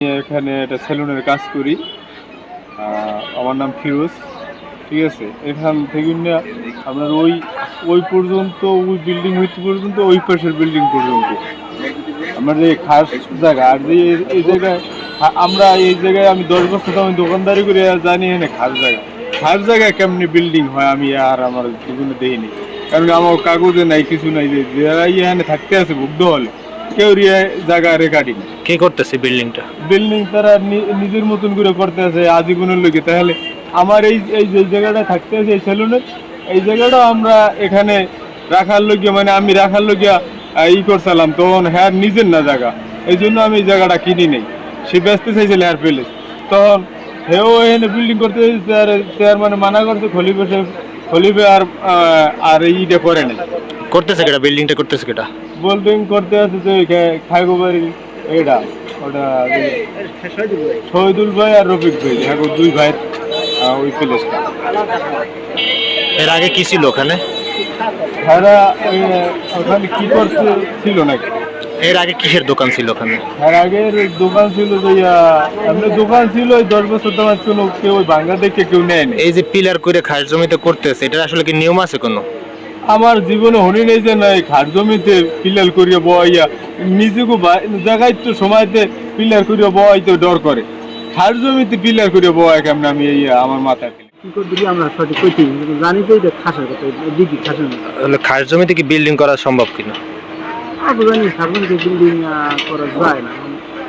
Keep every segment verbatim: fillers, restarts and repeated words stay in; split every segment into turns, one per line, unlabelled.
এখানে একটা সেলুনের কাজ করি। আমার নাম ফিরোজ। ঠিক আছে, এখান থেকে না আপনার ওই ওই পর্যন্ত ওই বিল্ডিং হইতে পর্যন্ত ওই পাশের বিল্ডিং পর্যন্ত আমার যে খাস জায়গা। আর যে এই জায়গায় আমরা এই জায়গায় আমি দশ বছর আমি দোকানদারি করে জানি এখানে খাস জায়গা খাস জায়গায় কেমনি বিল্ডিং হয় আমি আর আমার জীবনে দেখিনি। কারণ আমার কাগজে নাই, কিছু নাই যে যারা এখানে থাকতে আছে ভুগ্ধ হলে কেউ জায়গা রেকর্ডিং
কে করতেছে বিল্ডিংটা
বিল্ডিং তারা নিজের মতন করে করতে আছে আজীবনের লোকে। তাহলে আমার এই এই যে জায়গাটা থাকতে আছে এই সেলুনের এই জায়গাটা আমরা এখানে রাখার লোকিয়া মানে আমি রাখার লোকিয়া ই করছিলাম, তখন হ্যাঁ নিজের না জায়গা, এই জন্য আমি এই জায়গাটা কিনি নেই। সে ব্যস্ত চাইছিল হ্যার পেলে, তখন হেও এখানে বিল্ডিং করতে চেয়ার মানে মানা করছে খলিফে খলিফে আর আর ইটা করে নাই।
করতেছে কেটা বিল্ডিংটা করতেছে কেটা
বিল্ডিং করতে আছে যে খাইগো বাড়ি এটা ওটা শহীদুল ভাই আর রফিক ভাই, হ্যাঁ দুই ভাই ওই প্লেসটা।
এর আগে কি ছিল ওখানে?
হ্যাঁ ওখানে কি করতে ছিল নাকি?
এর আগে কিসের দোকান ছিল ওখানে?
এর আগের দোকান ছিল যে এমনি দোকান ছিল ওই দশ বছর তোমার কোনো কেউ ওই বাংলা দেখে কেউ নেয় না।
এই যে পিলার করে খাস জমিতে করতেছে, এটা আসলে কি নিয়ম আছে কোনো?
আমার জীবনে হনি নেই যে নাই খাট জমিতে পিলার করিয়া বইয়া নিজেকে জায়গায় তো সময়তে পিলার করিয়া বইতে ডর করে। খাট জমিতে পিলার করিয়া বয় কেমন আমি এই আমার মাথায়
কি করে দিবি আমরা সঠিক কইতে জানি যে এটা খাসের কথা দিবি খাসের না।
তাহলে খাস জমিতে কি বিল্ডিং করা সম্ভব কিনা?
আগে জানি সাধারণত বিল্ডিং করা যায় না।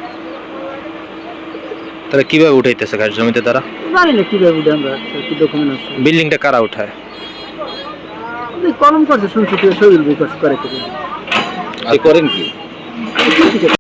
তাহলে কিভাবে উঠাইতেছে খাস জমিতে তারা?
জানি না কিভাবে উঠে আমরা কি ডকুমেন্ট আছে।
বিল্ডিংটা কারা উঠায়?
কলম করছে শুনছি তুই শরীর বিকাশ করে
করেন কি?